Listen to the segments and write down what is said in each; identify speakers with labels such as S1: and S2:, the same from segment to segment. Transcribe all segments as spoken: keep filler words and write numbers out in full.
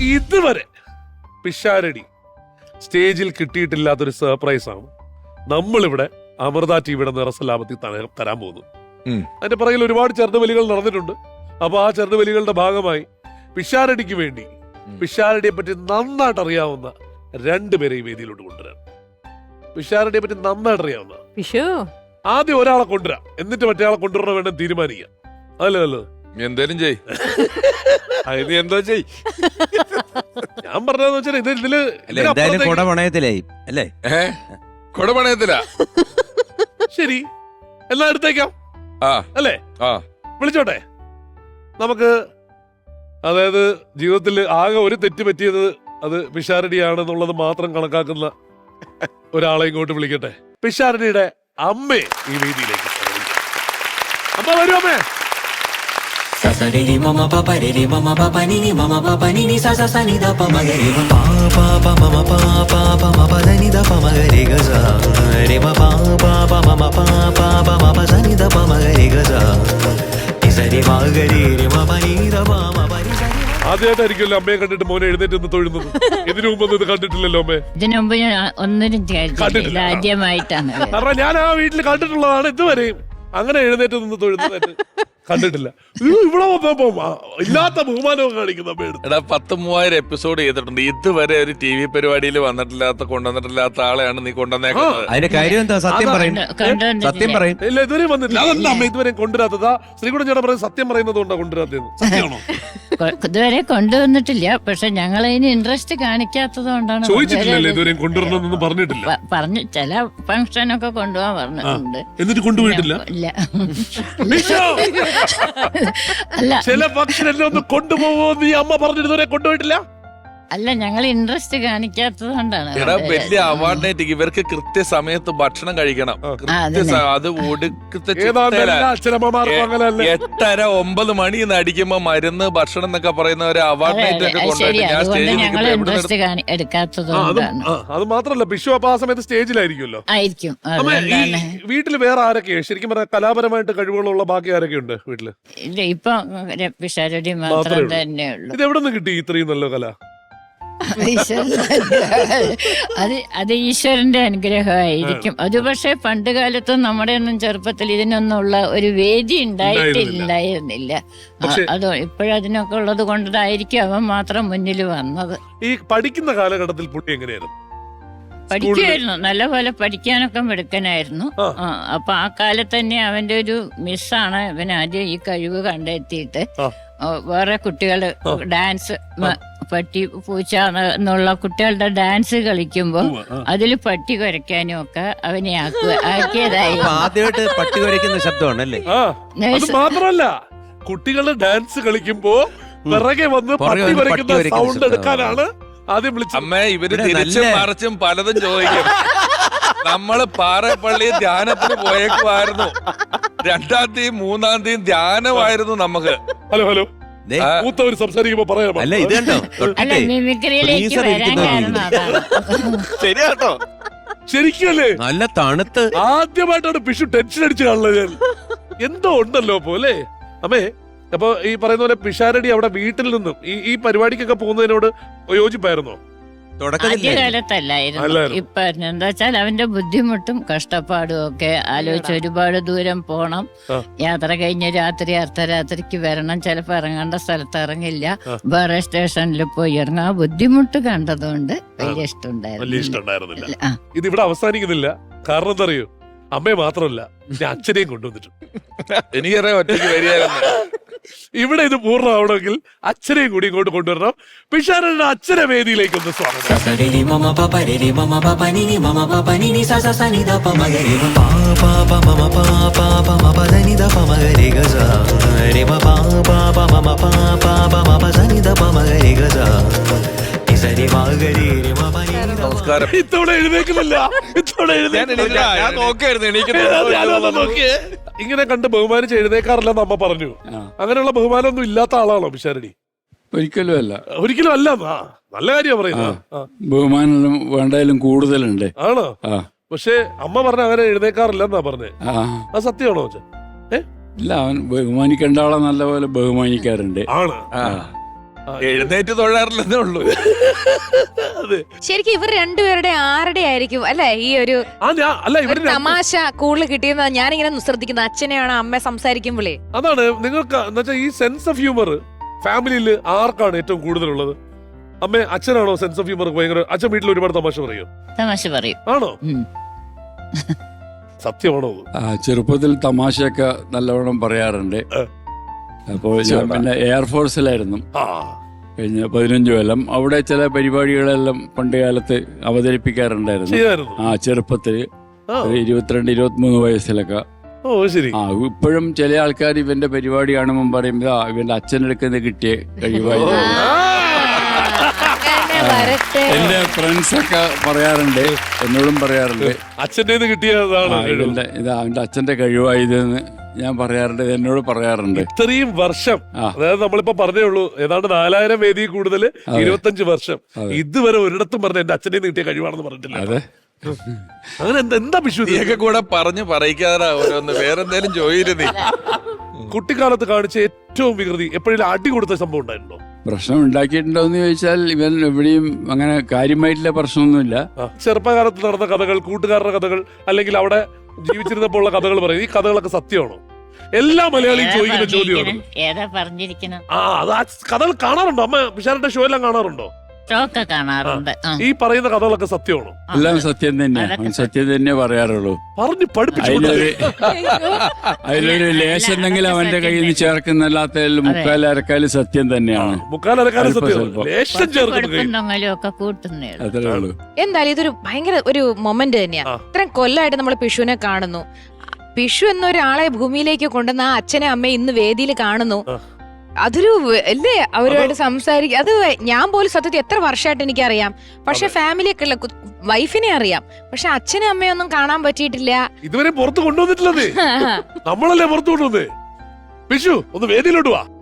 S1: ഇതുവരെ പിഷാരടി സ്റ്റേജിൽ കിട്ടിയിട്ടില്ലാത്തൊരു സർപ്രൈസ് ആണ് നമ്മളിവിടെ അമൃത ടിവിയുടെ നിറസലാപത്തിൽ തരാൻ പോകുന്നു. അതിന്റെ പുറകിൽ ഒരുപാട് ചെറുതുവലികൾ നടന്നിട്ടുണ്ട്. അപ്പൊ ആ ചെറുതുവലികളുടെ ഭാഗമായി പിഷാരടിക്ക് വേണ്ടി പിഷാരടിയെ പറ്റി നന്നായിട്ട് അറിയാവുന്ന രണ്ടുപേരെ ഈ വേദിയിലോട്ട് കൊണ്ടുവരാം. പിഷാരടിയെ പറ്റി നന്നായിട്ട് അറിയാവുന്ന ആദ്യം ഒരാളെ കൊണ്ടുവരാം, എന്നിട്ട് മറ്റേ ആളെ കൊണ്ടുവരണം വേണം തീരുമാനിക്കാം. അതല്ലേ നല്ലത്?
S2: എന്തേലും ചെയ് എന്തോ ചെയ്
S1: ഞാൻ പറഞ്ഞതെന്ന് വെച്ചാൽ ഇത് ഇതില്
S3: അല്ലേ
S2: കൊടപണയത്തില.
S1: ശരി, എന്നാ എടുത്തേക്കാം അല്ലേ?
S2: ആ
S1: വിളിച്ചോട്ടെ. നമുക്ക് അതായത് ജീവിതത്തിൽ ആകെ ഒരു തെറ്റ് പറ്റിയത് അത് പിഷാരടിയാണെന്നുള്ളത് മാത്രം കണക്കാക്കുന്ന ഒരാളെ ഇങ്ങോട്ട് വിളിക്കട്ടെ. പിഷാരടിയുടെ അമ്മയെ ഈ വേദിയിലേക്ക് അമ്മ വരൂ. അമ്മേ
S4: Sasariri mama papa riri mama papa nini mama papa nini sa sa sa ni da pa ma ga re ma pa pa mama pa pa pa ma pa da ni da pa ma ga re ga sa re ma pa pa pa mama pa pa pa ma pa sa ni da pa ma ga re ga sa ni sa re ma ga re re ma pa ni da pa ma pa ni sa ni.
S1: ആദ്യമായിട്ടായിരിക്കുമല്ലോ അമ്മയെ കണ്ടിട്ട് മോനെ എഴുന്നേറ്റ് ഒന്ന് തൊഴുന്നത്. ഇതിനു മുമ്പൊന്നും ഇത് കണ്ടിട്ടില്ലല്ലോ അമ്മേ?
S5: ഇതിനു മുമ്പ് ഞാൻ ഒന്നിനും കണ്ടിട്ടില്ല, ആദ്യമായിട്ടാണ്.
S1: കാരണം ഞാൻ ആ വീട്ടിൽ കണ്ടിട്ടുള്ളതാണ്, ഇതുവരെയും അങ്ങനെ എഴുന്നേറ്റ് നിന്ന് തൊഴുന്നതായിട്ട് കണ്ടിട്ടില്ല. ഇവിടെ ഇല്ലാത്ത ബഹുമാനവും കാണിക്കുന്ന
S2: എടാ, പത്ത് മൂവായിരം എപ്പിസോഡ് ചെയ്തിട്ടുണ്ട്. ഇതുവരെ ഒരു ടി വി പരിപാടിയിൽ വന്നിട്ടില്ലാത്ത കൊണ്ടുവന്നിട്ടില്ലാത്ത ആളെയാണ് നീ കൊണ്ടുവന്നേക്കുന്നത്.
S3: അതിന്റെ കാര്യം എന്താ? സത്യം പറയും, സത്യം പറയും.
S1: ഇല്ല, ഇതുവരെ വന്നിട്ടില്ല. അതല്ല അമ്മ ഇതുവരെ കൊണ്ടുവരാത്തതാ. ശ്രീകുടൻ ചേട്ടൻ പറയും സത്യം പറയുന്നത് കൊണ്ടാ കൊണ്ടുവരാത്തത്. സത്യമാണോ?
S5: ഇതുവരെ കൊണ്ടുവന്നിട്ടില്ല, പക്ഷെ ഞങ്ങൾ അതിന് ഇൻട്രസ്റ്റ് കാണിക്കാത്തത് കൊണ്ടാണ്.
S1: ചോദിച്ചിട്ടില്ലല്ലോ ഇതുവരെ കൊണ്ടുവരണമെന്നൊന്നും പറഞ്ഞിട്ടില്ല.
S5: പറഞ്ഞു ചില ഫംഗ്ഷനൊക്കെ കൊണ്ടുപോകാൻ പറഞ്ഞിട്ടുണ്ട്,
S1: എന്നിട്ട് കൊണ്ടുപോയിട്ടില്ല.
S5: ഇല്ല അല്ല,
S1: ചില ഫംഗ്ഷൻ എല്ലാം ഒന്ന് കൊണ്ടുപോകുമോ നീ അമ്മ പറഞ്ഞിട്ട് ഇതുവരെ കൊണ്ടുപോയിട്ടില്ല.
S5: അല്ല, ഞങ്ങൾ ഇൻട്രസ്റ്റ് കാണിക്കാത്തത് കൊണ്ടാണ്.
S2: എടാ, വലിയ അവാർഡിനായിട്ട് ഇവർക്ക് കൃത്യസമയത്ത് ഭക്ഷണം കഴിക്കണം. അത് ഒടുക്കത്തെ എട്ടര ഒമ്പത് മണി എന്ന് അടിക്കുമ്പോ മരുന്ന് ഭക്ഷണം എന്നൊക്കെ പറയുന്ന ഒരു അവാർഡിനായിട്ട്
S5: എടുക്കാത്തത്.
S1: അത് മാത്രല്ല, വിഷു അപ്പൊ ആ സമയത്ത് സ്റ്റേജിലായിരിക്കുമല്ലോ.
S5: ആയിരിക്കും.
S1: വീട്ടില് വേറെ ആരൊക്കെയാണ് ശരിക്കും പറഞ്ഞാൽ കലാപരമായിട്ട് കഴിവുകളുള്ള ബാക്കി ആരൊക്കെ ഉണ്ട് വീട്ടില്?
S5: ഇല്ല, ഇപ്പൊ പിഷാരടി മാത്രം തന്നെയുള്ളൂ.
S1: ഇത് എവിടെ നിന്ന് കിട്ടി ഇത്രയും നല്ല കല?
S5: അത് അത് ഈശ്വരന്റെ അനുഗ്രഹമായിരിക്കും. അത് പക്ഷെ പണ്ട് കാലത്തും നമ്മുടെ ഒന്നും ചെറുപ്പത്തിൽ ഇതിനൊന്നുള്ള ഒരു വേദി ഉണ്ടായിട്ടില്ലായിരുന്നില്ല. അതോ ഇപ്പോഴതിനൊക്കെ ഉള്ളത് കൊണ്ടതായിരിക്കും അവൻ മാത്രം മുന്നിൽ വന്നത്.
S1: ഈ പഠിക്കുന്ന കാലഘട്ടത്തിൽ പുള്ളി എങ്ങനെയായിരുന്നു?
S5: പഠിക്കുമായിരുന്നു, നല്ലപോലെ പഠിക്കാനൊക്കെ മിടുക്കനായിരുന്നു. അപ്പൊ ആ കാലത്ത് തന്നെ അവന്റെ ഒരു മിസ്സാണ് ഇവൻ ആദ്യം ഈ കഴിവ് കണ്ടെത്തിയിട്ട് വേറെ കുട്ടികൾ ഡാൻസ് പട്ടി പൂച്ച എന്നുള്ള കുട്ടികളുടെ ഡാൻസ് കളിക്കുമ്പോ അതിൽ പട്ടി കുരയ്ക്കാനും ഒക്കെ അവനെ ആക്കിയതായി.
S3: ആദ്യമായിട്ട് പട്ടി കുരയ്ക്കുന്ന ശബ്ദമാണല്ലേ?
S1: മാത്രമല്ല, കുട്ടികളുടെ ഡാൻസ് കളിക്കുമ്പോ പിറകെ വന്ന് പട്ടി കുരയ്ക്കുന്ന സൗണ്ട് എടുക്കാനാണ് ആദ്യം വിളിച്ചത്.
S2: അമ്മ ഇവര് തിരിച്ചും മറിച്ചും പലതും ചോദിക്കും. നമ്മള് പാറപ്പള്ളി ധ്യാനത്തിന് പോയേക്കുമായിരുന്നു. രണ്ടാം തീയതി മൂന്നാം തീയതി ധ്യാനമായിരുന്നു നമുക്ക്.
S1: ഹലോ ഹലോ മൂത്തവര് സംസാരിക്കുമ്പോ പറയാം.
S3: അല്ല, ഇത് കണ്ടോ
S2: ശരിയാട്ടോ,
S1: ശരിക്കല്ലേ?
S3: നല്ല തണുത്ത്
S1: ആദ്യമായിട്ടാണ് പിഷു ടെൻഷൻ അടിച്ചു കാണുന്നത് ഞാൻ. എന്തോ ഉണ്ടല്ലോ പോലെ അമ്മേ. അപ്പൊ ഈ പറയുന്ന പോലെ പിഷാരടി അവിടെ വീട്ടിൽ നിന്നും ഈ ഈ പരിപാടിക്കൊക്കെ പോകുന്നതിനോട് യോജിപ്പായിരുന്നോ?
S5: ആദ്യകാലത്തല്ലായിരുന്നു. ഇപ്പൊ എന്താ വെച്ചാൽ അവന്റെ ബുദ്ധിമുട്ടും കഷ്ടപ്പാടും ഒക്കെ ആലോചിച്ച് ഒരുപാട് ദൂരം പോണം, യാത്ര കഴിഞ്ഞ് രാത്രി അർദ്ധരാത്രിക്ക് വരണം, ചിലപ്പോ ഇറങ്ങേണ്ട സ്ഥലത്ത് ഇറങ്ങില്ല, വേറെ സ്റ്റേഷനിൽ പോയി ഇറങ്ങാം. ആ ബുദ്ധിമുട്ട് കണ്ടതുകൊണ്ട് വലിയ ഇഷ്ടമുണ്ടായിരുന്നില്ല.
S1: ഇത് ഇവിടെ അവസാനിക്കുന്നില്ല. കാരണം എന്താ അറിയോ? അമ്മയെ മാത്രമല്ല, ഞാൻ അച്ഛനെയും കൊണ്ടുവന്നിട്ടുണ്ട്.
S2: എനിക്കറിയാം ഒറ്റയ്ക്ക് വരികയായിരുന്നു.
S1: ഇവിടെ ഇത് പൂർണ്ണമാവണമെങ്കിൽ അച്ഛനെയും കൂടി ഇങ്ങോട്ട് കൊണ്ടുവരണം. പിഷാരടിയുടെ അച്ഛനെ വേദിയിലേക്ക് ഒന്ന് സ്വാഗതം.
S2: നമസ്കാരം.
S1: ഇത്തവണ എഴുന്നേക്കുന്നില്ല, ഇത്തവണ ഇങ്ങനെ കണ്ട് ബഹുമാനിച്ച് എഴുന്നേക്കാറില്ലെന്ന് അമ്മ പറഞ്ഞു. അങ്ങനെയുള്ള ബഹുമാനമൊന്നും ഇല്ലാത്ത ആളാണോ പിഷാരടി?
S6: ഒരിക്കലും അല്ല.
S1: ഒരിക്കലും അല്ല. നല്ല കാര്യമാണ് പറയുന്നത്.
S6: ബഹുമാനം വേണ്ടായാലും കൂടുതലുണ്ട്.
S1: ആണോ? പക്ഷെ അമ്മ പറഞ്ഞ അങ്ങനെ എഴുന്നേക്കാറില്ലെന്നാ പറഞ്ഞേ. അത് സത്യമാണോ?
S6: ഇല്ല, അവൻ ബഹുമാനിക്കേണ്ട ആളെ നല്ലപോലെ ബഹുമാനിക്കാറുണ്ട്.
S1: ആണ്.
S2: എഴുന്നേറ്റ് തൊഴാറില്ലെന്നേ ഉള്ളൂ.
S1: അതെ.
S7: ശരിക്കും ഇവർ രണ്ടുപേരുടെ ആരുടെ ആയിരിക്കും അല്ലെ ഈ ഒരു
S1: ആ ഞാൻ അല്ല
S7: ഒരു
S1: ഇവര്
S7: തമാശ കൂടുതൽ കിട്ടിയെന്ന് ഞാനിങ്ങനെ ശ്രദ്ധിക്കുന്നത് അച്ഛനെയാണ് അമ്മ സംസാരിക്കുമ്പോഴേ.
S1: അതാണ് നിങ്ങൾക്ക് എന്നുവെച്ചാൽ ഈ സെൻസ് ഓഫ് ഹ്യൂമർ ഫാമിലിയിൽ ആർക്കാണ് ഏറ്റവും കൂടുതലുള്ളത്? അമ്മ അച്ഛനാണോ സെൻസ് ഓഫ് ഹ്യൂമർ ഭയങ്കര? അച്ഛൻ വീട്ടിൽ ഒരുപാട് തമാശ പറയും.
S5: തമാശ പറയും.
S1: ആണോ?
S5: ഉം.
S1: സത്യമാണോ?
S6: ആ, ചെറുപ്പത്തിൽ തമാശയൊക്കെ നല്ലവണ്ണം പറയാറുണ്ട്. അപ്പോൾ ഞാൻ പിന്നെ എയർഫോഴ്സിലായിരുന്നു
S1: ആ
S6: കഴിഞ്ഞ പതിനഞ്ച് കൊല്ലം. അവിടെ ചില പരിപാടികളെല്ലാം പണ്ട് കാലത്ത് അവതരിപ്പിക്കാറുണ്ടായിരുന്നു.
S1: ചെയ്യായിരുന്നു.
S6: ആ ചെറുപ്പത്തിൽ
S1: ആ.
S6: ഒരു ഇരുപത്തിരണ്ട് ഇരുപത്തിമൂന്ന് വയസ്സിലൊക്കെ.
S1: ഓ ശരി.
S6: ആ ഇപ്പോഴും ചില ആൾക്കാർ ഇവന്റെ പരിപാടി കാണുമ്പോൾ പറയും "ആ, ഇവന്റെ അച്ഛനെടുക്കുന്ന കിട്ടിയ കഴിവായി."
S7: വരട്ടെ.
S6: എന്റെ ഫ്രണ്ട്സ് ഒക്കെ പറയാറുണ്ട്, എന്നോടും പറയാറുണ്ട്
S1: അച്ഛൻ്റെ കിട്ടിയതാണ്.
S6: ആ, ഇവന്റെ ഇത് അവന്റെ അച്ഛന്റെ കഴിവായതെന്ന് ഞാൻ പറയാറുണ്ട്, ഇത് എന്നോട് പറയാറുണ്ട്.
S1: ഇത്രയും വർഷം,
S6: ആ.
S1: അതായത് നമ്മളിപ്പോ പറഞ്ഞേ ഉള്ളൂ ഏതാണ്ട് നാലായിരം വേദി കൂടുതൽ ഇരുപത്തഞ്ച് വർഷം, ഇതുവരെ ഒരിടത്തും പറഞ്ഞ എന്റെ അച്ഛനെ കിട്ടിയ കഴിവാണെന്ന് പറഞ്ഞിട്ടില്ല.
S6: അതെ.
S1: അങ്ങനെ എന്താ എന്താ വിഷു?
S2: നീയൊക്കെ കൂടെ പറഞ്ഞു പറയിക്കാതാ ഓരോന്ന്. വേറെന്തേലും ചോദിച്ചു.
S1: കുട്ടിക്കാലത്ത് കാണിച്ച ഏറ്റവും വികൃതി എപ്പോഴും അടി കൊടുത്ത സംഭവം ഉണ്ടായിട്ടുണ്ടോ?
S6: പ്രശ്നം ഉണ്ടാക്കിയിട്ടുണ്ടോ എന്ന് ചോദിച്ചാൽ ഇവൻ എവിടെയും അങ്ങനെ കാര്യമായിട്ടുള്ള പ്രശ്നമൊന്നുമില്ല.
S1: ആ, ചെറുപ്പകാലത്ത് നടന്ന കഥകൾ, കൂട്ടുകാരുടെ കഥകൾ, അല്ലെങ്കിൽ അവിടെ ജീവിച്ചിരുന്നപ്പോൾ ഉള്ള കഥകൾ പറയും. ഈ കഥകളൊക്കെ സത്യമാണോ? എല്ലാ മലയാളിയും
S5: ഏതാ
S1: ചോദിക്കുന്ന ചോദ്യമാണ്.
S5: പറഞ്ഞിരിക്കണെ? ഏതാ പറഞ്ഞിരിക്കണം?
S1: ആ അത് ആ കഥകൾ കാണാറുണ്ടോ? അമ്മ പിഷാരന്റെ ഷോ എല്ലാം കാണാറുണ്ടോ?
S5: ഷോക്കെ കാണാറുണ്ട്. ആ.
S1: ഈ പറയുന്ന കഥകളൊക്കെ സത്യമാണോ?
S6: എല്ലാം സത്യം തന്നെയാ,
S5: അതൊക്കെ
S6: അവൻ സത്യം തന്നെ പറയാറുള്ളൂ.
S1: പറഞ്ഞു പഠിപ്പിച്ചു.
S6: അതിലൊരു അതിലൊരു ലേശെന്തെങ്കിലും അവന്റെ കയ്യിൽ നിന്ന് ചേർക്കുന്നല്ലാത്ത മുക്കാൽ അരക്കാല് സത്യം തന്നെയാണ്.
S1: മുക്കാലരക്കാലം
S6: അല്പം
S1: സത്യം.
S6: സ്വല്പം.
S1: ലേശം ചേർക്കുന്നു കയ്യിൽ.
S5: കൊടുക്കുന്നെങ്കിലും ഒക്കെ കൂട്ടുന്നേ ഉള്ളൂ.
S6: അത്രേ ഉള്ളൂ.
S7: എന്തായാലും ഇതൊരു ഭയങ്കര ഒരു മൊമെന്റ് തന്നെയാ.
S1: ആ.
S7: ഇത്രയും കൊല്ലമായിട്ട് നമ്മൾ പിഷുവിനെ കാണുന്നു. പിഷു എന്നൊരാളെ ഭൂമിയിലേക്ക് കൊണ്ടുവന്ന ആ അച്ഛനെ അമ്മയെ ഇന്ന് വേദിയിൽ കാണുന്നു.
S1: ആ.
S7: അതൊരു വ- അല്ലേ അവരുമായിട്ട് സംസാരിക്കുക. അത് ഞാൻ പോലും സത്യത്തിൽ എത്ര വർഷമായിട്ട് എനിക്കറിയാം. പക്ഷെ ഫാമിലിയൊക്കെ ഉള്ള കു- വൈഫിനെ അറിയാം, പക്ഷെ അച്ഛനും അമ്മയൊന്നും കാണാൻ പറ്റിയിട്ടില്ല.
S1: ഇതുവരെ പുറത്ത് കൊണ്ടുവന്നിട്ടില്ലത്. നമ്മളല്ലേ പുറത്ത് കൊണ്ടുവന്നേ. വിഷു ഒന്ന് വേദിയിലോട്ട് വാ.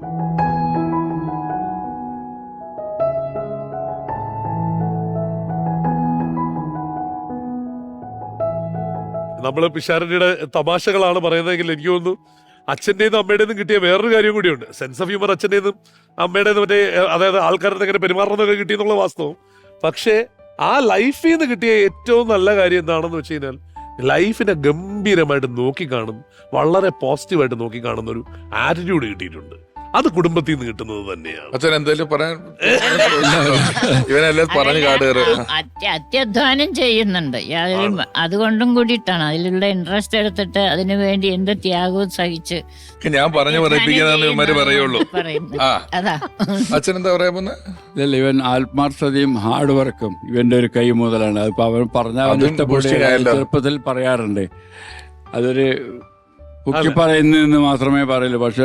S1: നമ്മള് പിഷാരടിയുടെ തമാശകളാണ് പറയുന്നതെങ്കിൽ എനിക്ക് തോന്നുന്നു അച്ഛൻ്റെന്നും അമ്മയുടേന്നും കിട്ടിയ വേറൊരു കാര്യം കൂടിയുണ്ട്. സെൻസ് ഓഫ് ഹ്യൂമർ അച്ഛൻ്റെന്നും അമ്മയുടേന്നും മറ്റേ അതായത് ആൾക്കാരുടെ എങ്ങനെ പെരുമാറുന്നതൊക്കെ കിട്ടിയെന്നുള്ള വാസ്തവം. പക്ഷേ ആ ലൈഫിൽ നിന്ന് കിട്ടിയ ഏറ്റവും നല്ല കാര്യം എന്താണെന്ന് വെച്ച് കഴിഞ്ഞാൽ ലൈഫിനെ ഗംഭീരമായിട്ട് നോക്കിക്കാണും, വളരെ പോസിറ്റീവായിട്ട് നോക്കിക്കാണുന്ന ഒരു ആറ്റിറ്റ്യൂഡ് കിട്ടിയിട്ടുണ്ട്. അത് കുടുംബത്തിൽ നിന്ന് കിട്ടുന്നത് തന്നെയാണ്.
S2: അച്ഛൻ എന്തേലും പറയാൻ ഇവനെല്ലാം പറഞ്ഞു കാട് കയറി.
S5: അത്യ- അത്യധ്വാനം ചെയ്യുന്നുണ്ട്. യാതൊരു അതുകൊണ്ടും കൂടിയിട്ടാണ് അതിലുള്ള ഇൻട്രസ്റ്റ് എടുത്തിട്ട് അതിനു വേണ്ടി എന്ത് ത്യാഗവും സഹിച്ച്
S2: ഞാൻ പറഞ്ഞു പറയിപ്പിക്കാന്ന് ഇവന്മാര് പറയുള്ളൂ.
S5: പറയുന്നത്.
S2: ആ
S5: അതാ
S2: അച്ഛൻ എന്താ പറയാ പോന്നെ?
S6: ഇതല്ല, ഇവൻ ആത്മാർത്ഥതയും ഹാർഡ് വർക്കും ഇവന്റെ ഒരു കൈ മുതലാണ്. അതിപ്പോ അവൻ പറഞ്ഞ അവൻ
S2: അതും
S6: ഇഷ്ടപ്പെടുക
S2: boosting ആയല്ലോ.
S6: ചെറുപ്പത്തിൽ പറയാറുണ്ട്. അതൊരു പൊക്കി പറയുന്നതെന്ന് മാത്രമേ പറയൂ, പക്ഷെ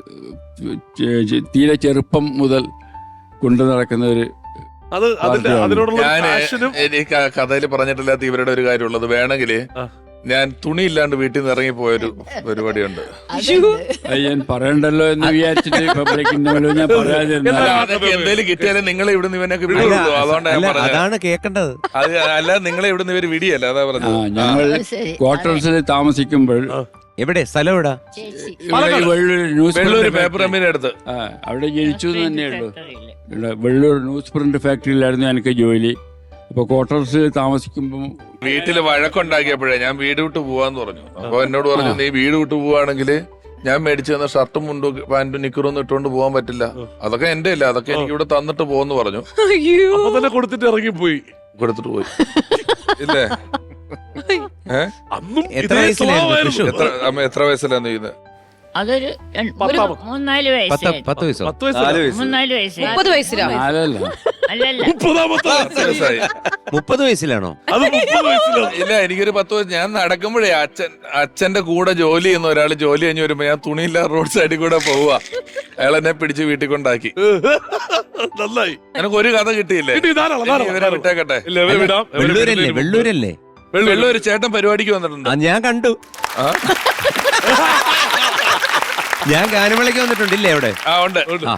S6: തീരെ ചെറുപ്പം മുതൽ കൊണ്ടു നടക്കുന്ന ഒരു
S1: അത് അതിന്റെ അതിനോടുള്ള
S2: ഞാൻ
S1: പാഷനും
S2: എനിക്ക് കഥയിൽ പറഞ്ഞിട്ടില്ലാത്ത ഇവരുടെ ഒരു കാര്യമുള്ളത്, വേണമെങ്കിൽ
S1: ആ.
S2: ഞാൻ തുണി ഇല്ലാണ്ട് വീട്ടിൽ നിന്ന് ഇറങ്ങി പോയൊരു പരിപാടിയുണ്ട്.
S6: അത് ഞാൻ പറയണ്ടല്ലോ എന്ന് വിചാരിച്ചിട്ട് പബ്ലിക്കിന്റെ ഞാൻ പറയാതിരുന്ന
S2: അല്ല, അതൊക്കെ എന്തേലും കിട്ടിയാലും നിങ്ങളെ ഇവിടുന്ന് ഇവനൊക്കെ വിടുള്ളൂ. അതുകൊണ്ടാണ് ഞാൻ
S3: അല്ല,
S2: പറഞ്ഞത്.
S3: അതാണ് കേൾക്കേണ്ടത്.
S2: അത് അല്ല, നിങ്ങളെ ഇവിടുന്ന് ഇവര് വിടിയല്ല, അതാ
S6: ആ
S2: പറഞ്ഞത്.
S6: ഞങ്ങൾ
S5: ശരി.
S6: ക്വാർട്ടേഴ്സിൽ താമസിക്കുമ്പോൾ
S3: എവിടെ സ്ഥലം എവിടാ?
S5: ചേച്ചി
S6: ഇവിടെ ഈ Vellur news
S2: Vellur
S6: print
S2: paper
S6: factory.
S2: അമ്മീനെ അടുത്ത്.
S6: ആ, അവിടെ ജനിച്ചു എന്ന് തന്നെയുള്ളൂ.
S5: ഫാക്ടറിയില്.
S6: ഇവിടെ വെള്ളൂർ ന്യൂസ് പ്രിന്റ് ഫാക്ടറിയിലായിരുന്നു എനിക്ക് ജോലി. അപ്പൊ ക്വാർട്ടേഴ്സിൽ താമസിക്കുമ്പോൾ
S2: വീട്ടില് വഴക്കുണ്ടാക്കിയപ്പോഴേ ഞാൻ വീട് വിട്ട് പോവാന്ന് പറഞ്ഞു. അപ്പൊ എന്നോട് പറഞ്ഞു, നീ വീട് വിട്ട് പോവാണെങ്കിൽ ഞാൻ മേടിച്ചു തന്ന ഷർട്ടും മുണ്ടും പാന്റും നിക്കറൊന്നും ഇട്ടുകൊണ്ട് പോകാൻ പറ്റില്ല, അതൊക്കെ എന്റെ അല്ല, അതൊക്കെ എനിക്ക് ഇവിടെ തന്നിട്ട് പോവെന്ന് പറഞ്ഞു.
S1: അപ്പൊ തന്നെ കൊടുത്തിട്ട് ഇറങ്ങിപ്പോയി.
S2: കൊടുത്തിട്ട് പോയി. ഇല്ലേ? ഏഹ്
S1: അന്നും
S3: എത്ര
S1: ഇതേ
S3: വയസ്സിലായിരുന്നു
S1: സ്വഭാവമായിരുന്നു.
S3: വിഷു?
S2: എത്ര അമ്മ എത്ര വയസ്സിലാന്ന് ചെയ്യുന്നത്?
S5: അതൊരു രണ്ട്- ഒരു
S1: പത്താമത്.
S5: മൂന്നാല്
S3: പത്ത്
S5: വയസ്സായി.
S3: പത്ത് വയസ്സോ?
S1: പത്ത് വയസ്സല്ല.
S5: മൂന്നാല് വയസ്സായി.
S7: മുപ്പത് വയസ്സിലോ?
S6: നാലല്ല
S5: അല്ലല്ല
S1: മുപ്പതാമത്തെ വയസ്സിൽ.
S2: വയസ്സായി.
S3: മുപ്പത് വയസ്സിലാണോ?
S1: അത് മുപ്പത് വയസ്സിലാണ്.
S2: ഇല്ല, എനിക്കൊരു പത്ത് വയസ്സ്. ഞാൻ നടക്കുമ്പോഴേ അച്ഛൻ അച്ഛന്റെ കൂടെ ജോലി ചെയ്യുന്ന ഒരാൾ ജോലി കഴിഞ്ഞ് വരുമ്പോ ഞാൻ തുണിയില്ലാതെ റോഡ് സൈഡിൽ കൂടെ പോവുക. അയാൾ എന്നെ പിടിച്ച് വീട്ടിൽ കൊണ്ടാക്കി.
S1: നന്നായി.
S2: എനിക്ക് ഒരു കഥ കിട്ടിയില്ലേ?
S1: കിട്ടി, ധാരാളം, ധാരാളം,
S2: ഇവരെ
S1: ധാരാളം.
S2: വിട്ടേക്കട്ടെ.
S1: ഇല്ല, ഇവരെ വിടാം. ഇവരെ
S3: വെള്ളൂരല്ലേ?
S1: വിടുന്നതിന് മുമ്പ്.
S3: വെള്ളൂരല്ലേ?
S2: വെള്ളം ഒരു ചേട്ടൻ പരിപാടിക്ക് വന്നിട്ടുണ്ട്.
S3: ആ ഞാൻ കണ്ടു.
S2: ആ?
S3: ഞാൻ ഗാനമേളയ്ക്ക് വന്നിട്ടുണ്ടില്ലേ അവിടെ?
S2: ആ ഉണ്ട്.
S3: ആ.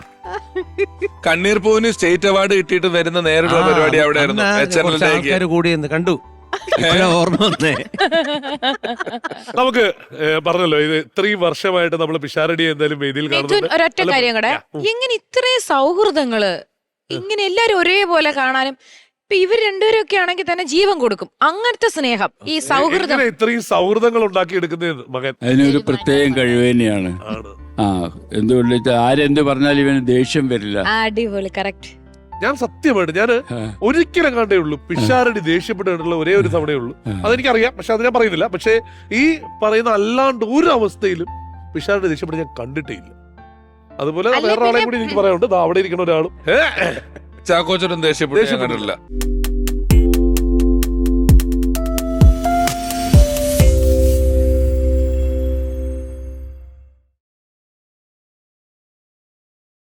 S2: കണ്ണീർ പൂവിന് സ്റ്റേറ്റ് അവാർഡ് കിട്ടിയിട്ട് വരുന്ന നേരിട്ടുള്ള പരിപാടി അവിടെ ആയിരുന്നു.
S3: അന്ന്
S2: എച്ച് എൻ
S3: കുറച്ച്
S2: എൽ
S3: ആൾക്കാര് കൂടി എന്ന് കണ്ടു. ഇപ്പഴാ ഓർമ്മ വന്നേ.
S1: നമുക്ക് ഏ, പറഞ്ഞല്ലോ ഇത് ഇത്രയും വർഷമായിട്ട് നമ്മൾ പിഷാരടി എന്തായാലും വേദിയിൽ
S7: മിഥുൻ,
S1: കാണുന്നുണ്ട്.
S7: ഒരൊറ്റ
S1: അല്ല,
S7: കാര്യം കൂടെ,
S1: ഉം.
S7: എങ്ങനെ ഇത്രയും സൗഹൃദങ്ങള് ഇങ്ങനെ എല്ലാരും ഒരേപോലെ കാണാനും, ഇപ്പൊ ഇവർ രണ്ടുപേരും ഒക്കെ ആണെങ്കിൽ തന്നെ ജീവൻ കൊടുക്കും, അങ്ങനത്തെ സ്നേഹം, ഈ സൗഹൃദം.
S1: എങ്ങനെ ഇത്രയും സൗഹൃദങ്ങൾ ഉണ്ടാക്കി എടുക്കുന്നത് മകൻ
S6: അതിനൊരു പ്രത്യേകം കഴിവ് തന്നെയാണ്.
S1: ആണ്.
S6: ആ എന്തുകൊണ്ട് വെച്ചാൽ ആരെന്ത് പറഞ്ഞാലും ഇവന് ദേഷ്യം വരില്ല.
S7: അടിപൊളി, കറക്റ്റ്.
S1: ഞാൻ സത്യമായിട്ട് ഞാൻ
S6: ആ.
S1: ഒരിക്കലും കണ്ടേ ഉള്ളൂ പിഷാരടി ദേഷ്യപ്പെട്ടിട്ടുള്ള ഒരേ ഒരു തവണയേ ഉള്ളൂ.
S6: ആ.
S1: അതെനിക്കറിയാം, പക്ഷെ അത് ഞാൻ പറയുന്നില്ല. പക്ഷേ ഈ പറയുന്ന അല്ലാണ്ട് ഒരു അവസ്ഥയിലും പിഷാരടി ദേഷ്യപ്പെട്ട് ഞാൻ കണ്ടിട്ടേ ഇല്ല. അതുപോലെ
S7: അല്ല,
S1: വേറെ ആളെ
S7: പിന്നെ-
S1: കൂടി എനിക്ക് പറയാനുണ്ട്. ദാ അവിടെ ഇരിക്കുന്ന ഒരാളും ഏ,
S2: ചാക്കോച്ചനും ദേഷ്യപ്പെട്ടു ഞാൻ
S1: ദേഷ്യപ്പെട്ടു.
S2: കണ്ടിട്ടില്ല.